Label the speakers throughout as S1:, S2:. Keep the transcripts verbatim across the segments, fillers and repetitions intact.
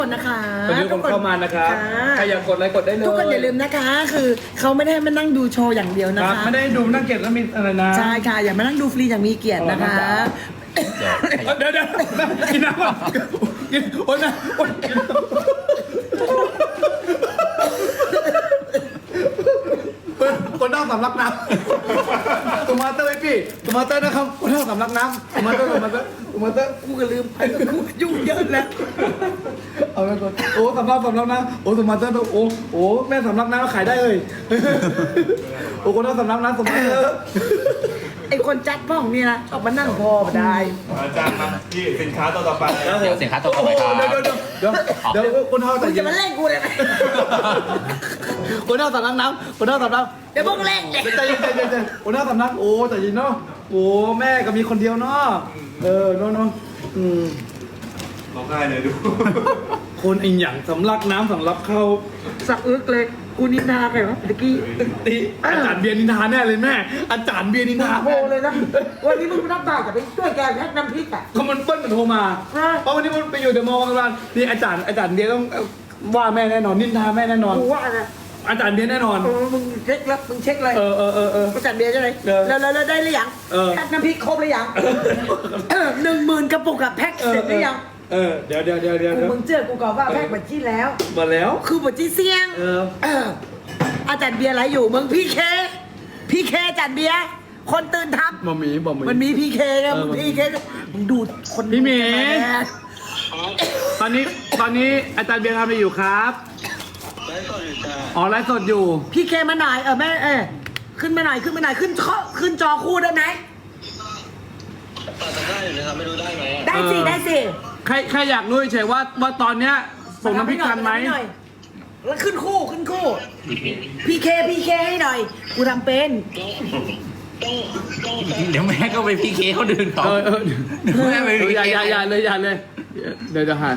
S1: นะคะ
S2: ตอนนี้คนเข้ามานะครับใครอยากกดอะไรกดได้เลย
S1: ทุกคนอย่าลืมนะคะคือเขาไม่ได้มานั่งดูโชว์อย่างเดียวนะ
S2: ครั
S1: คะ
S2: บไม่ได้ดูนั่งเก็บแล้วมีอะไรนะ
S1: ใช่ค่ะอย่ามานั่งดูฟรีอย่างมีเกียรตินะคะ
S2: เดี๋ยวเดี๋ยวกินน้ำก่อนกินโอ๊ยนะโอ๊ยคนนอกสำลักน้ำตัวมาเตอร์ไอพี่ตัวมาเตอร์นะครับคนนอกสำลักน้ำตัวมาเตอร์ตัวมาเตอร์ตัวมาเตอร์
S1: กูก็ลืมไปกูยุ่งเยอะแล้ว
S2: เอาไปก่อนโอ้สำลักสำลักน้ำโอ้ตัวมาเตอร์โอ้โอ้แม่สำลักน้ำขายได้เลยโอ้คนนอกสำลักน้ำสมาเตอร์
S1: ไอคนจัดพ่องนี่นะออกมานั่งพอมาได้
S3: อาจารย์มาที่สินค้าตัวต่อไป
S4: เดี๋ยวสินค้าตัวต่อไปครับ
S2: เดี๋ยวเดี๋ยวเดี๋ยวเดี๋ยวคนเท่า
S1: มึ
S2: แต่
S1: งจะมาเล่นกูเลยไหม
S2: คนเท่าสำลักน้ำคนเท่าสำลัก
S1: เดี๋ยวพวกเล่นเลย
S2: ใจเย็นใจเย็นใจเย็นคนเท่าสำลักโอ้แต่ยินเนาะโอ้แม่ก็มีคนเดียวเนาะเออเนาะเนาะอืม
S3: ร้องไห้เลยดู
S2: คนไอ้หยังสำลักน้ำสำลักเข้า
S1: สักอึกเลยกูนินทาใครวะตะกี้
S2: ตีอาจารย์เบียร์นินทาแน่เลยแม่อาจารย์เบียร์นินทา
S1: โทรเลยนะวันนี้มึงไม่รับบ่ายกับไปช่วยแกแพ็กน้ำพริกอ่ะ
S2: เขามันเปิ้ลมันโทรมา
S1: อ่า
S2: เพราะวันนี้มันไปอยู่เดอะมอลล์กันนี่อาจารย์อาจารย์เบียร์ต้องว่าแม่แน่นอนนินทาแม่แน่นอน
S1: กูว่านะ
S2: อาจารย์เบียร์แน่นอน
S1: เออมึงเช็คแล้วมึงเช็คเลย
S2: เออเออเออเออ
S1: ประจันเบียร์ใช่ไหม
S2: เออ
S1: แล้วแล้วแล้วได้หรือยัง
S2: เออ
S1: แพ็กน้ำพริกครบหรือยังหนึ่งหมื่นกระปุกอะแพ็กเสร็จหรือยัง
S2: เออเดี๋ยวเดี๋ยวเดี๋ยวเดี๋ยว
S1: กูมึงเจอกูก่อนว่าแพ็กบัญชีแล้ว
S2: มาแล้ว
S1: คือบัญชีเสี่ยง
S2: เออ
S1: เอออาจารย์เบียร์อะไรอยู่มึงพี่เคพี่เคอาจารย์เบียร์คนตื่นทับ
S2: บะหมี่บะหมี่
S1: มันมีพี่เคไง
S2: เออ
S1: มึงพี่เคมึงดูดคน
S2: พี่หมี
S1: ดูดมาแน่
S2: ตอนนี้ตอนนี้อาจารย์เบียร์ทำอะไรอยู่ครับไลฟ์สดอยู่จ้าอ๋อไลฟ์สดอยู่
S1: พี่เคมาหน่อยเออแม่เออขึ้นมาหน่อยขึ้นมาหน่อยขึ้นข้อขึ้นจอคู่ได้ไหม
S5: ปัดตะกร้าอยู่นะครับไม่รู้ได้ไหมอะ
S1: ได้สิ
S2: เออ
S1: ได้สิ
S2: ใครใครอยากรู้เฉยๆว่าว่าตอนเนี้ยส่งน้ำพริกทันไหม
S1: าทำอยแล้วขึ้นคู่ขึ้นคู่พี่เคพี่เคให้หน่อยกูทำเป็น
S5: ต้องต้อง
S4: เดี๋ยวแม่ก็ไปพีเคเขาดื่นเขา
S2: เออเออ
S4: เดี๋ยวแม่ไป
S2: เอ
S4: พี
S2: ออย่า
S4: เค
S2: อย่าอย่าเลยอย่าเลยเดี๋ยวจะหา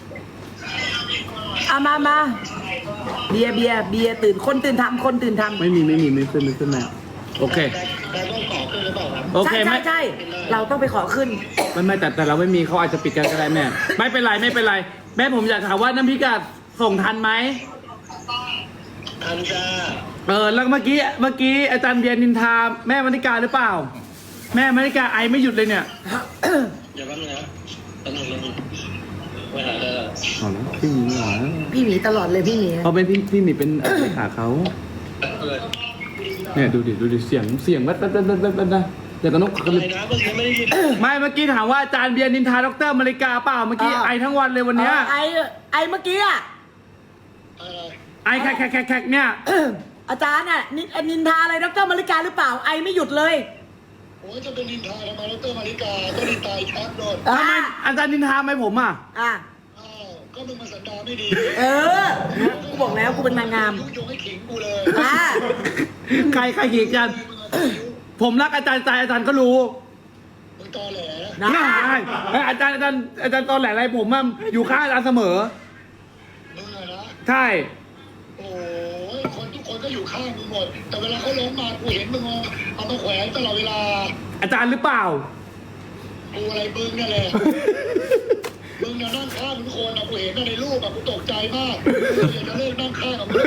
S1: เอามามาเบียร์เบียร์เบียร์ตื่นคนตื่นทำคนตื่นทำ
S2: ไม่มีไม่มีไม่ขึ้นไม่ขึ้นแม่โอเค
S5: แต่ต้องขอขึ้นหรือเปล่าครับ
S2: โอเค
S1: ใช่
S2: ไม่
S1: ใช่ใช่เราต้องไปขอขึ้น
S2: ไม่ไม่แต่แต่เราไม่มีเขาอาจจะปิดกันก็ได้แม่ไม่เป็นไรไม่เป็นไรแม่ผมอยากถามว่าน้ำพริกอะส่งทันไหม
S5: ทันจ้า
S2: เออแล้วเมื่อกี้เมื่อกี้อาจารย์เบียร์นินทาแม่มณิกาหรือเปล่า แม่มณิกาไอไม่หยุดเลยเนี่ย
S5: อย่าแป๊บนึงนะแป๊บนึงแป๊บนึงไปหาได้ละ
S2: เอาละพี่หมีเหรอ
S1: พี่หมีตลอดเลยพี่หมี
S2: เขาเป็นพี่พี่หมีเป็นเลขาเขา
S5: เออ
S2: เนี่ยดูดิดูดิเสียงเสียงแว๊บแว๊บแว๊บแว๊บแว๊บแว๊บนะเดี๋ยวตอนนก
S5: อะไรนะเมื่อกี้ไม่ได้ยิน
S2: ไม่เมื่อกี้ถามว่าอาจารย์เบียร์นินทาดรมณิกาเปล่าเมื่อกี้ไอทั้งวันเลยวันเนี้ย
S1: ไอไอเมื่อกี้อะ
S5: อะไร
S2: ไอแขกแขกแขกแขกเนี่ย
S1: อาจารย์อ่ะนินินทาอะไรดรมาริกาหรือเปล่าไอไม่หยุดเลย
S5: โอ้ยจะเป็นนินทาทำไมดรมาริกาก็นินทาแคปโดน
S1: อ่า
S2: ทำไมอาจารย์นินทาไหมผมอ่ะ
S1: อ่ะ
S5: อ้าวก็มึงมาสันดานไม่ดี
S1: เออกูบอกแล้วกูเป็นนางงาม
S5: ยุยงให้ขิงกูเลย
S1: อ่ะ
S2: ใครใครขีดกัน ผมรักอาจารย์ใจอาจารย์ก็รู้
S5: มึงตอแหล
S1: นะ
S2: น่าเอ้ยอาจารย์อาจารย์อาจารย์ตอนแหลอะไรผมอะอยู่ข้างอาจารย์เสมอ
S5: มึงอะนะ
S2: ใช่
S5: โอ้ยคนทุกคนก็อยู่ข้างมึงหมด แต่เวลาเขาล้มมากูเห็นมึงเอามาแขวนตลอดเวลา
S2: อาจารย์หรือเปล่า
S5: กูอะไรมึงเนี่ยแหละ มึงเนี่ยนั่งข้างทุกคนอะกูเห็นในรูปอะกูตกใจมากกูอยากจะเลิกนั่งข้างกับมึง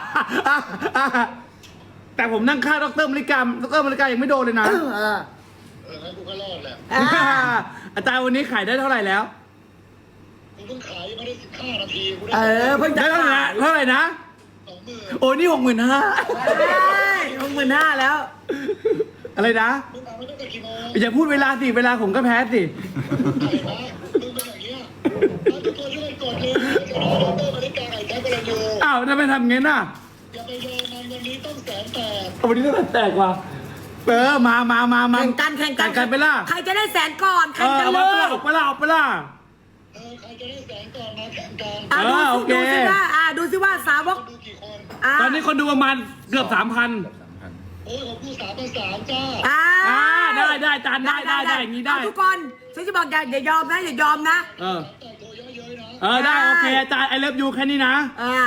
S2: แต่ผมนั่งข้างดรมริกาดรมริกายังไม่โดนเลยนะ
S1: เออ
S5: เอองั้นกูก็รอดแหละ
S1: อ่ะ
S2: อาจารย์วันนี้ขายได้เท่าไหร่แล้ว
S5: กูเพิ่งขายยังไม่ได้สิบห้านาทีกูได้
S1: เออเพิ่งจะ
S2: ได้เท่าไหร่
S1: ขาย
S2: นะเท่าไหร่นะ
S5: สองหมื่น
S2: โอ้นี่หกหมื่นห้า
S1: หกหมื่นห้าแล้ว
S2: อะไรนะ
S5: มึงมาไม่ตั้งแต่กี่โมง
S2: อย่าพูดเวลาสิเวลาผมก็แพ้สิ
S5: อะไรนะมึงเป็นอย่างเงี้ยเอาทุกคนช่วยกดเลยจะรอดรมาริกาไอ้แท็กไปเลยอยู่
S2: อ้าวทำไมทำงั้นน่ะ
S5: อย่าไปยอมมันวันนี้ต้องแสนแตก
S2: เอาวันนี้ต้องแตกว่ะเออมามามามา
S1: แข่งกันแข่งกัน
S2: กันไปล่ะ
S1: ใครจะได้แสนก่อน
S2: เอ
S1: แข่ง
S2: อ
S1: กัน
S2: เอา
S1: เล
S2: ไป
S1: ย
S2: ล่ะออกไปล่ะออกไปล่ะ
S5: เออใครจะได้แสนก่อนมาแข่งกัน
S1: อ่ะ
S2: เออโอเค
S1: ดูสิว่าอ่ะดูสิว่าสาวก
S5: ดูกี่คน
S1: อ่ะ
S2: ตอนนี้คนดูประมาณเกือบสามพัน
S5: โอ้ยของผู้สามภาษาจ้า
S1: อ่ะ
S2: อ่าได้ได้จานได้ได้ได้อย่างนี้ได้
S1: เทุกคนฉันจะบอกอย่าอย่ายอมนะอย่ายอมนะ
S2: เออ
S5: แต่งตัวเยอะๆนะ
S2: เออได้โอเคอาจารย์ไอเลิฟยูแค่นี้นะ
S1: อ่า
S5: โอเค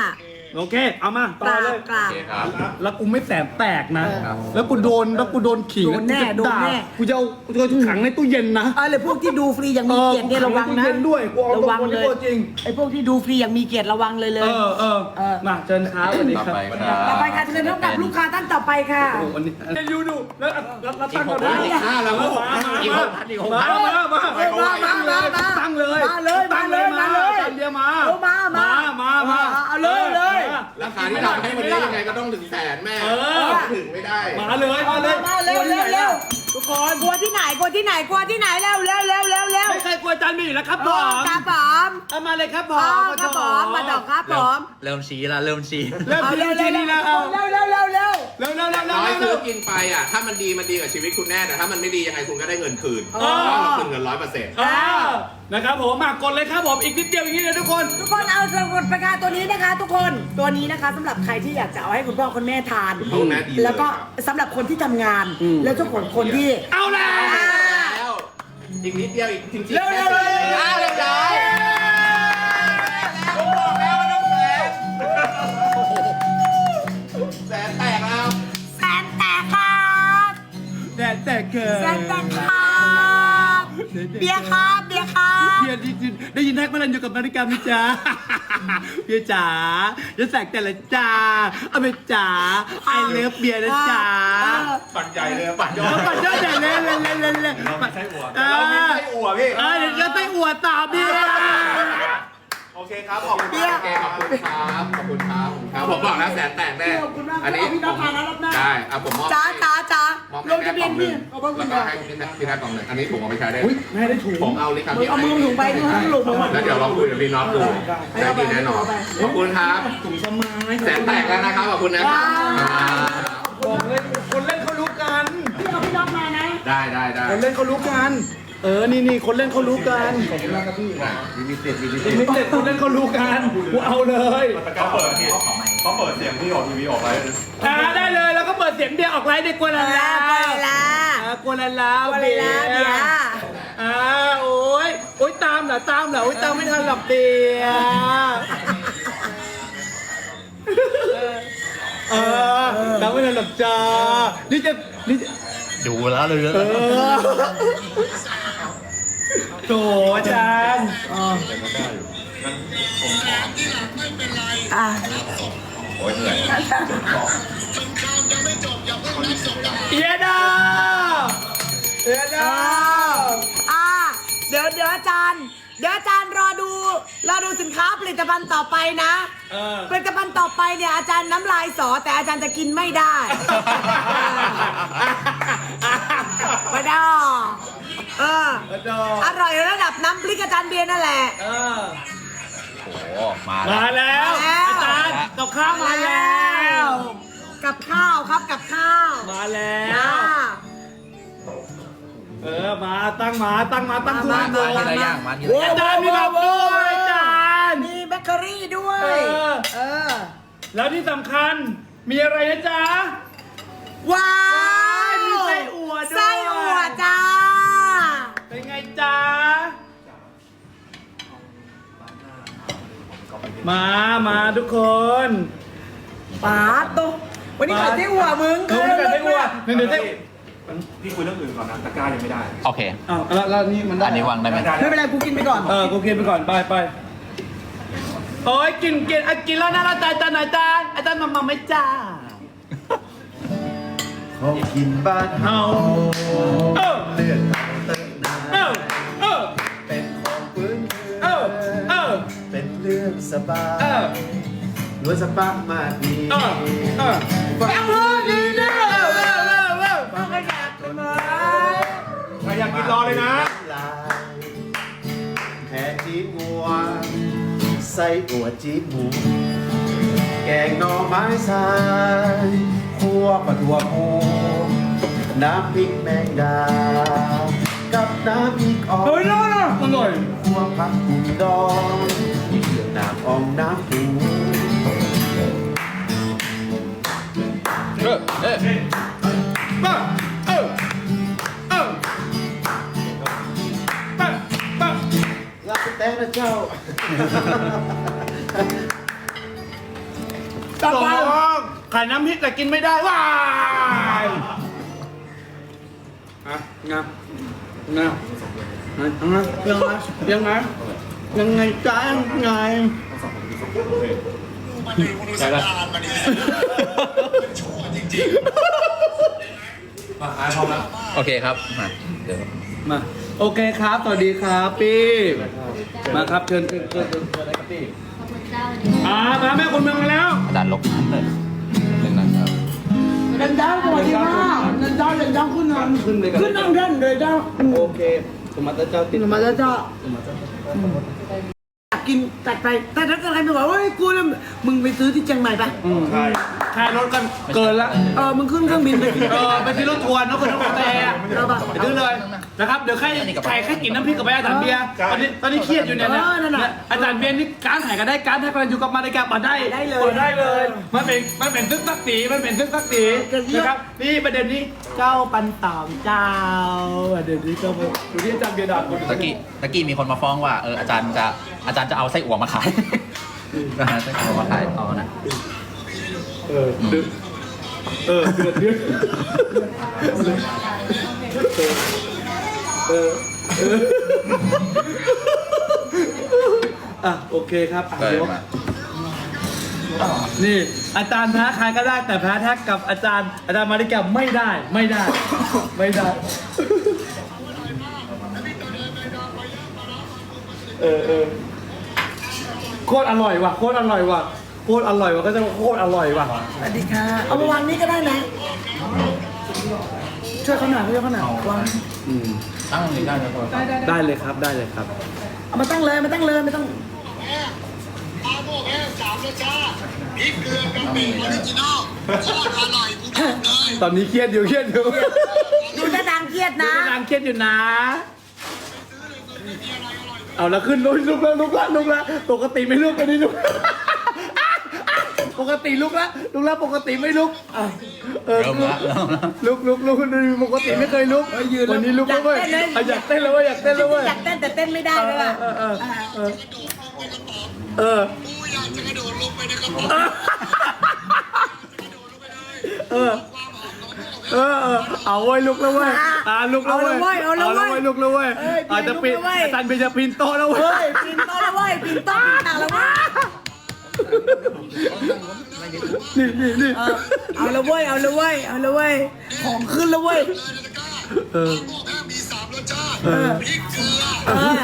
S2: โอเค เอามาต่
S1: ก
S2: อ
S1: รา
S2: เล
S1: บ
S2: ย
S1: กราบ
S4: โอเคครับ
S2: แล้วกูไม่แสบแตกนะ
S4: ครับ
S2: แล้วกูโดน แล้วกูโดนขิง
S1: โดนแน่
S2: ล้วกูจะ
S1: โดนแน่
S2: ด่ากูจะเอากูจะขังในตู้เย็นนะ
S1: เออเลยพวกที่ดูฟรีอย่างมีเกียรติเนี่ยระวังนะ
S2: เออขัในตู้เย็นด้วยกูเอา
S1: ระ
S2: ตรง
S1: วัง
S2: คน
S1: เล
S2: ที่
S1: ย
S2: ตัวจริง
S1: ไอ้พวกที่ดูฟรีอย่างมีเกียรติระวังเลยเล
S2: เอย อเออ
S1: เออ
S2: มาเชิญครับสวัสดี
S4: ต่อ
S2: ครับ
S4: ไปครับ
S1: ต่อไปค่ะเชิญพบกับลูกค้าท่านต่อไปค่ะ
S2: โอ้วันนี้ยูดูแล้วแล้วแล้วตั้ง
S4: อีกหก
S2: ก่อน
S4: พันอีกห้าแล้ว
S2: มา
S4: อีกหกพันอีกหกพั
S2: มาน มามา
S1: เออมามามามา
S2: ตั้งเลย
S1: มาเลยมาเลยมาเลย
S2: ตั้งเดียวมา
S1: เออมามา
S2: มามา
S1: เอาเลยเลย
S6: ราคาที่ทำให้วันนี้ยังไงก็ต้องถึงแสนแม่
S2: เออ
S6: ถึงไม่ได้
S2: มาเลยมาเลย
S1: มาเร็วเร็วเร็ว
S2: ทุกคน
S1: กลัวที่ไหนกลัวที่ไหนกลัวที่ไหนเร็วเร็วเร็วเร็วเร็ว
S2: ไม่เคยกลัวอาจารย์หมีอยู่แล้วครับผ
S1: โอ้
S2: ม
S1: ครับผม
S2: เอามาเลยครับผ
S1: อ๋อ
S2: ม
S1: ครับผมมาดอกครับผม
S4: เริ่มชี้ละเริ่มชี้
S2: เริ่ม
S1: เอา
S2: ที
S1: เร็ว
S2: ที
S1: เร็ว
S2: นี้แล้วเอา
S1: เร็วเร็วเร็วเร็ว
S2: เร็วเร็วเร็วเร็ว
S6: น้อย
S2: เร็
S6: ซื้
S2: ว
S6: อกินไปอ่ะ ถ้ามันดีมันดีกับชีวิตคุณแน่ แต่ถ้ามันไม่ดียังไงคุณก็ได้เงินคืน
S1: อ๋อ
S6: เพราะเราคืนเงินร้อยเปอร์เซ็นต์
S2: เออนะครับผมมากดเลยครับผมอีกนิดเดียวอีกนิดเดียวทุกคน
S1: ทุกคนเอาสมุดประกาศตัวนี้นะคะ ทุกคนตัวนี้นะคะสำหรับใครที่อยากจะเอาให้คุณพ่อคุณแม่ทาน
S6: คุณพ่อคุณแม่ดีเลย
S1: แล้วก็สำหรับคนที่ทำงาน แล้วเจ้าของคนที่
S2: เอาแล้ว
S6: แล้วอีกนิดเดียวอีกจริงๆ
S1: เร็วเร็วเร็ว
S6: อ่ะเรียบร้อยผมบอกแล้วว่าต้องแสนแสนแตกแล้ว
S1: แสนแตกครับ
S2: แต่แต่เกิด
S1: แสนแตกครับเบียร์ครับเบียร์ครับ
S2: เบียร์ได้ยินได้ยินแท็กมาลันอยู่กับนาฬิกาไหมจ๊ะ เบียร์จ๋าจะแสกแต่ละจ้าเอาไปจ๋าไอเลิฟเบียร์นะจ๊ะ
S3: ปั่นใหญ่เลยปั่นยอ
S2: เอา
S3: ด
S2: ปัดยอดใหญ่เลยเลยเลยเลยเลย
S3: เราไม่ใช่อวด
S2: เอ
S3: เราไม่
S2: อ
S3: ใช่อวดพี่
S2: เออเดี๋ยวจะไส้อวดต่อเบียร์
S3: โอเคครับขอบคุณ
S1: เบียร์
S6: โอเคขอบคุณครับขอบคุณครับครับผมบอกแล้วแสนแตกแน่
S1: ขอบคุณมาก
S6: อันนี้
S1: เอาพี่น้องมาแล้วรอบหน้า
S6: ได้เอาผมมอบ
S1: จ้าจ้าจ้าม
S6: อบ
S1: ลงทะเบียนพี่เอาบ้างคุ
S6: แล้ว
S1: ณ
S6: ก็
S1: ก่อน
S6: ให้พี่แท็กพี่แท็กกล่องหนึ่งอันนี้ผมเอาไปใช้ได้
S2: อุ้ยแม่ได้ถูก
S6: ผมเอาลิคา
S1: มึงเอามือถุงไปดูให้หลุมมือ
S6: แล้วเดี๋ยวเราคุยกับพี่น็อตดูได้ดีแน่นอนขอบคุณครับ
S2: ถุงสมัย
S6: แสนแตกแล้วนะครับขอบคุณนะครับ
S2: บอกเลยคนเล่นเขารู้กัน
S1: พี่เอาพี่น้องมานะ
S6: ได้ได้ได้
S2: คนเล่นเขารู้กัน เออ นี่นี่คนเล่นเขารู้กันลิมิเต็ดลิมิเต็ดคนเล่นเขารู้กันกูเอาเลย
S3: มันตะการเปิดพี่เขาเปิดเสียงที่ออกทีวีออกไลฟ์เลย
S2: อ่าได้เลยแล้วก็เปิดเสียงเบียร์ออกไลน์ในกัวลาลา
S1: ไปละ
S2: อ่ากัวลาลา
S1: กัวลาลาเบียร์
S2: อ่าโอ้ยโอ้ยตามเหรอตามเหรอโอ้ยตามไม่ทันหลับเบียร์เออตามไม่ทันหลับจ้านี่จะนี่จะ
S4: ดูแล้วเลย
S2: เออโถอาจารย์
S1: อ่ะ
S3: โอ้ยเหนื่อย
S2: เอียดาเอียดา
S1: อ่ะเดี๋ยวเดี๋ยวอาจารย์ เดี๋ยวอาจารย์รอดูรอดูสินค้าผลิตภัณฑ์ต่อไปนะ
S2: เออ
S1: ผลิตภัณฑ์ต่อไปเนี่ยอาจารย์น้ำลายสอแต่อาจารย์จะกินไม่ได้ ไม่ได้เออ อร่อยระดับน้ำพริกอาจารย์เบียร์นั่นแหละ
S2: เออ
S4: โอ้มาแล้ว
S2: มาแล้ว
S1: มาแล้ว
S2: อาจารย์กับข้าวมาแล้ว
S1: กับข้าวครับกับข้าว
S2: มาแล้
S1: อ่า
S2: ว เออ มาตั้งมาตั้งมาตั้งทุก
S1: มา
S2: ตัว
S4: มาทีละอย่างมาทีละ
S2: โอ้
S4: อย่าง
S2: อาจารย์มีแบบด้วยอาจารย์
S1: มีแบเกอรี่ด้วย
S2: เออ
S1: เออ
S2: แล้วที่สำคัญมีอะไรนะจ๊ะ
S1: ว้าว
S2: มีไส้อั่วด้วย
S1: ไส้อั่วจ้า
S2: เป็นไงจ๊ะ มา มาทุกคน
S1: ป๊าดโตวันนี้ขายไส้อั่วมึง
S2: เออไม่ได้อ้วนเดี๋ยวได้
S3: พี่คุยเรื่องอื่นก่อนนะตะกร้ายังไม่ได้
S4: โอเค
S2: อ้าวแล้วแล้วนี่มันได้
S4: อันนี้วางได้ไหม
S1: ไม่เป็นไรกูกินไปก่อน
S2: เออ กูกินไปก่อน ไปไปโอ้ยกินกินอ่ะกินแล้วนะอาจารย์อาจารย์อาจารย์อาจารย์มามาไหม่จ้า
S7: ของกินบ้านเฮา
S2: เออ
S7: เลือดเติมนา
S2: เออ เออ
S7: เป็นของพื้นเมื
S2: เออ เออ
S7: เป็นเรื่องสบา
S2: เออ
S7: ยล้วนสปาร์กมากดี
S2: เออ เออ
S7: ฟัง
S2: เอาเลยดีนะเออ เออ เออ เออ
S1: ฟังก็อยากเลย
S3: ใครอยากกินรอเลยนะ
S7: ลายแผ่จีบงัวไส้อั่วจีบหมู แกงหน่อไม้สายคั่วปลาทัวโพน้ำพริกแมงดา กับน้ำพริกอ่อ
S2: เฮ้ย
S7: น
S2: น่านะอร่อย
S7: คั่วผักกุ่มดองเครื่องน้ำอ่องน้ำปู
S4: เออเออ
S2: ป้าเออ เออป้าป้า
S7: ลาไปแต่นะเจ้า
S2: ส่น้ำพริกแต่กินไม่ได้ว้ายอ่ะงามงามยังไงยังไงยังไงจ้ายังไง
S5: มันดีมึงดูสัญญาณมันดีชั่วจริง
S3: มาไอ้พร้อมแล้ว
S4: โอเคครับมาเดี๋ยว
S2: มาโอเคครับสวัสดีครับพี่มาครับเชิญเชิญเชิญเชิญเชิญเลยครับพี่อ่ามาแม่คนเมืองมาแล้ว
S4: อาจารย์ลบนั้นเลยหนึ่งนะครับ
S1: เดินเจ้าสวัสดีค่ะเดินเจ้าเดินเจ้าขึ้นนั่ง
S2: ขึ้นเลยครับ
S1: ขึ้นนั่งเดินเลยเจ้า
S2: โอเคสมมาตรเจ้าติด
S1: มาแล้วเจ้าอยากกินจัดไปแต่ถ้าเกิดใครบอกว่าเฮ้ยกูเนี่ยมึงไปซื้อที่เชียงใหม่ไป
S2: อืม
S3: ใช่
S2: ค่ารถกันเกินละ
S1: เออมึงขึ้นเครื่องบินไปกิน
S2: เออไปที่รถทัวร์นกกระนกกระแตอะ
S1: เอาป่ะ
S2: ไปซื้อเลยนะครับเดี๋ยวใครใครแค่กินน้ำพริกกับไปอาจารย์เบียร์ตอนนี้ตอนนี้เครียดอยู่เนี่ยนะอาจารย์เบียร์นี่การถ่ายกันได้การถ่ายกันอยู่กับมาในการมาได้มาได้เลยมันเป็นมันเป็นซึกซักสีมันเป็นซึกซักสีนะครับนี่ประเด็นนี้เจ้าปันตามเจ้าประเด็นนี้เจ้าดูที่อาจารย์เบียร์ด่าคน
S4: ตะกี้ตะกี้มีคนมาฟ้องว่าเอออาจารย์จะอาจารย์จะเอาไส้อั่วมาขายนะฮะไส้อั่วมาขายเอานะ
S2: เออเดือดเออเดือดเดือดเออเอออ่ะโอเคครับอ่ะ
S4: เออ
S2: เดี๋ยว
S4: มา
S2: นี่อาจารย์แพ้ใครก็ได้แต่แพ้แท็กกับอาจารย์อาจารย์มาริกาไม่ได้ไม่ได้ ไม่ได้เออเออโคตรอร่อยว่ะโคตรอร่อยว่ะโคตรอร่อยว่ะก็จะโคตรอร่อยว่ะ
S1: สวัสดีค่ะเอามาวางนี้ก็ได้นะช่วยเขาหน่อยช่วยเขาหน่อยวาง
S2: อืม
S4: ตั้งนี้ได้ไหมครับ
S2: ได้เลยครับได้เลยครับ
S1: เอามาตั้งเลยมาตั้งเลยไม่ต้อง
S5: ๆแม่ปลาโมกแห้งสามรสชาติพริกเกลือกะปิออริจินอลโคตรอร่อยกูบอกเลย
S2: ตอนนี้เครียดอยู่เครียดอยู่
S1: ดูจะดังเครียดนะ
S2: นางเครียดอยู่นะ เอาแล้วขึ้นลุกลุกแล้วลุกแล้วลุกแล้วปกติไม่ลุกอันนี้ลุกปกติลุกแล้วลุกแล้วปกติไม่ลุกอ่ะเออ
S4: เริ่มละเริ่มละ
S2: ลุกลุกลุกปกติไม่เคยลุกวันนี้ลุกแล้วเว้ยอ่ะอยากเต้นแล้วเว้ยอยากเต้นแล้วเว้ย
S1: อยากเต้นแต่เต้นไม่ได้เลยอ่ะ
S2: เออเออเออเออ
S5: กูอยากจะกระโดดลงไปในกระป๋อง
S2: เออเออเออเอาเว้ยลุกแล้วเว้ยอ่าลุกแล้วเว้ย
S1: เอาแล้วเว้ย
S2: ลุกแล้วเว้ย
S1: เอ้ย
S2: อาจจะปีน
S1: ลุกแล้วเว้ย
S2: อาจารย์เบนจะปีนโต๊ะแล้วเว้
S1: เฮ้
S2: ย
S1: ยปีนโต๊ะแล้วเว้ยปีนโต๊ะปีนต่างแล้วเว้ย
S2: นี่นี่นี่
S1: เออเอาละเว้ยเอาละเว้ยเอาละเว้ยของขึ้นแล้วเว้ย
S2: เออ
S5: ปลาโมกแห้งมีสามรสชาติ
S2: เออ
S5: พริกเกลือ
S1: เออ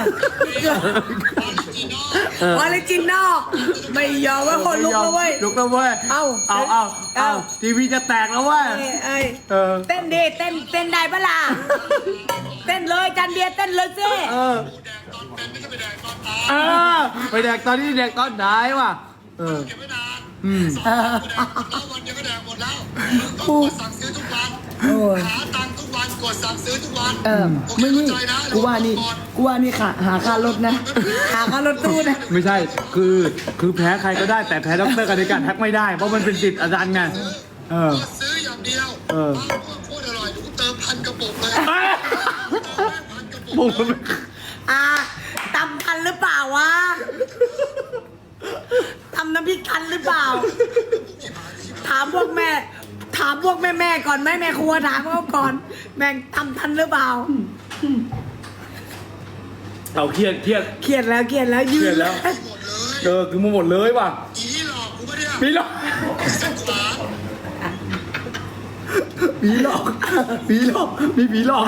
S5: ออริจินอล
S1: ออริจินอลไม่ยอมว่าคนลุกแล้วเว้ย
S2: ลุกแล้วเว้ย
S1: เอา
S2: เอาเอาเอา
S1: เอา
S2: ทีวีจะแตกแล้วเว้ย
S1: เอ้ยเอ้ย
S2: เออ
S1: เต้นดิเต้นเต้นได้ปะล่ะเต้นเลยจันเบียร์เต้นเลยสิ
S2: เออเออไปแดกตอนนี้แดกตอนไหนวะเออ
S5: เก็บไว้นาน
S2: อืม
S1: เออ
S5: แล้ววันเดียวก็แดกหมดแล้วต้องกดสั่งซื้อทุกวัน
S1: โอ้ย
S5: หาตังค์ทุกวันกดสั่งซื้อทุกวัน
S1: เออไม่นี่กูว่านี่กูว่านี่ค่ะหาค่ารถนะ หาค่ารถตู้นะ
S2: ไม่ใช่คือคือแพ้ใครก็ได้แต่แพ้ด็อกเตอร์กันในการแท็กไม่ได้เพราะมันเป็นสิทธิ์อาจารย์ไงเออ
S5: กดซื้ออย่างเดียว
S2: เออ
S5: ปลาโมกโคตรอร่อยเดี๋ยวกูเติมพันกระปุกเลย
S2: เอ้ย
S5: พันกระปุก
S2: บุกมัน
S1: อ่าตำทันหรือเปล่าวะตำน้ำพริกทันหรือเปล่า ถามพวกแม่ ถามพวกแม่แม่ๆก่อนไหมแม่ครัวถามเขาก่อนแม่งตำทันหรือเปล่า
S2: เอาเครียดเครียด
S1: เครียดแล้วเครียดแล้วยื
S2: เครีย
S1: น
S2: ดแล้ว เออคือมาหมดเลยว่ะ
S5: อีหลอกกูปะเนี่ย
S2: ผีหลอก
S5: สักขวา
S2: ผีหลอกผีหลอกมีผีหลอก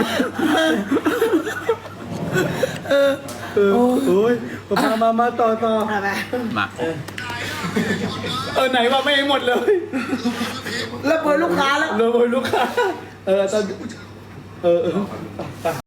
S2: เออเออโอ้ยมามามาต่อต่อ
S1: เอาไป
S4: มา
S2: เออไหนว่าไม่หมดเลย
S1: แล้วเปิดลูกค้าแล้ว
S2: เลยลูกค้าเออตอนเออเออ